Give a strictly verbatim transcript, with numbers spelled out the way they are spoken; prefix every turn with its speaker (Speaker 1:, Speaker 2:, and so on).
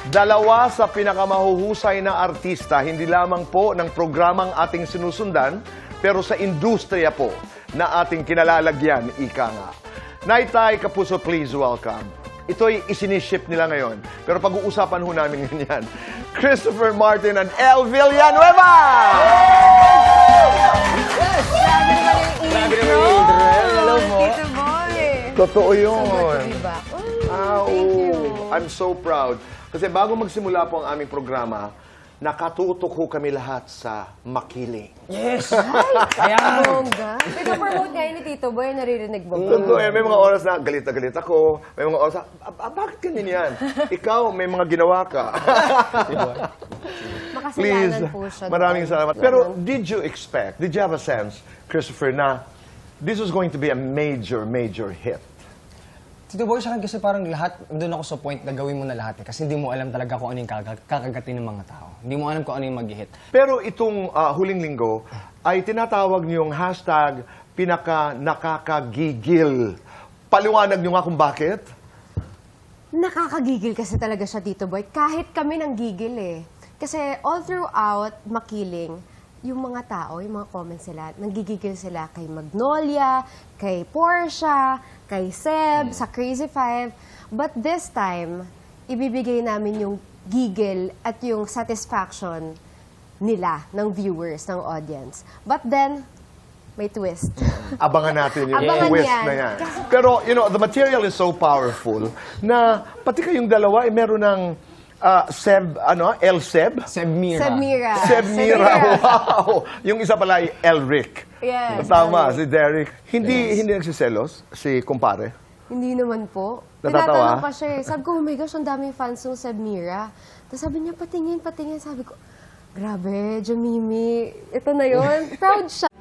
Speaker 1: Dalawa sa pinakamahuhusay na artista, hindi lamang po ng programang ating sinusundan, pero sa industriya po na ating kinalalagyan, ika nga. Naitay Kapuso, please welcome. Ito'y isiniship nila ngayon, pero pag-uusapan ho namin ganyan. Christopher Martin and Elle Villanueva!
Speaker 2: Yes! Grabe naman yung
Speaker 3: Grabe
Speaker 2: intro!
Speaker 3: naman yung intro. Hello po.
Speaker 2: Tito Boy!
Speaker 1: Totoo yun.
Speaker 2: So good to be back. Oh,
Speaker 1: Ah,
Speaker 2: thank
Speaker 1: oo.
Speaker 2: you.
Speaker 1: I'm so proud. Kasi bago magsimula po ang aming programa, nakatutok ho kami lahat sa makiling.
Speaker 3: Yes!
Speaker 2: Ayan! Bongga. Pinapromote nga yun ni Tito Boy, naririnig mo ba?
Speaker 1: Totoo eh, may mga oras na galit na galit ako. May mga oras na, "Ah, ah, bakit ganyan yan? Ikaw, may mga ginawa ka." Please,
Speaker 2: Makasalanan po siya.
Speaker 1: maraming
Speaker 2: doon.
Speaker 1: salamat. Pero did you expect, did you have a sense, Christopher, na this was going to be a major, major hit?
Speaker 3: Tito Boy, sa akin kasi parang lahat, doon ako sa point na gawin mo na lahat eh. Kasi hindi mo alam talaga kung ano yung kaka- kakagatin ng mga tao. Hindi mo alam kung ano yung mag-hit.
Speaker 1: Pero itong ah, huling linggo ay tinatawag niyong hashtag pinaka nakakagigil. Paliwanag niyo nga kung bakit?
Speaker 2: Nakakagigil kasi talaga siya, Tito Boy. Kahit kami nang gigil eh. Kasi all throughout Makiling, yung mga tao, yung mga comments sila, nanggigigil sila kay Magnolia, kay Portia, kay Seb, sa Crazy Five. But this time, ibibigay namin yung gigil at yung satisfaction nila, ng viewers, ng audience. But then, may twist.
Speaker 1: Abangan natin yung
Speaker 2: Abangan
Speaker 1: twist
Speaker 2: yan.
Speaker 1: na yan. Pero, you know, the material is so powerful na pati kayong dalawa ay meron ng ah, Seb, ano, El Seb?
Speaker 3: Seb Mira.
Speaker 2: Seb Mira.
Speaker 1: Seb Mira, wow! Yung isa pala ay Elric.
Speaker 2: Yes,
Speaker 1: Tama,
Speaker 2: Elric.
Speaker 1: si Derek. Hindi hindi nagsiselos, si kumpare.
Speaker 2: Hindi naman po.
Speaker 1: Natatawa?
Speaker 2: Tinatanong pa siya eh. Sabi ko, oh my gosh, ang daming fans ng Seb Mira. Tapos sabi niya, patingin, patingin. Sabi ko, grabe, Jamimi, ito na yon. Proud siya.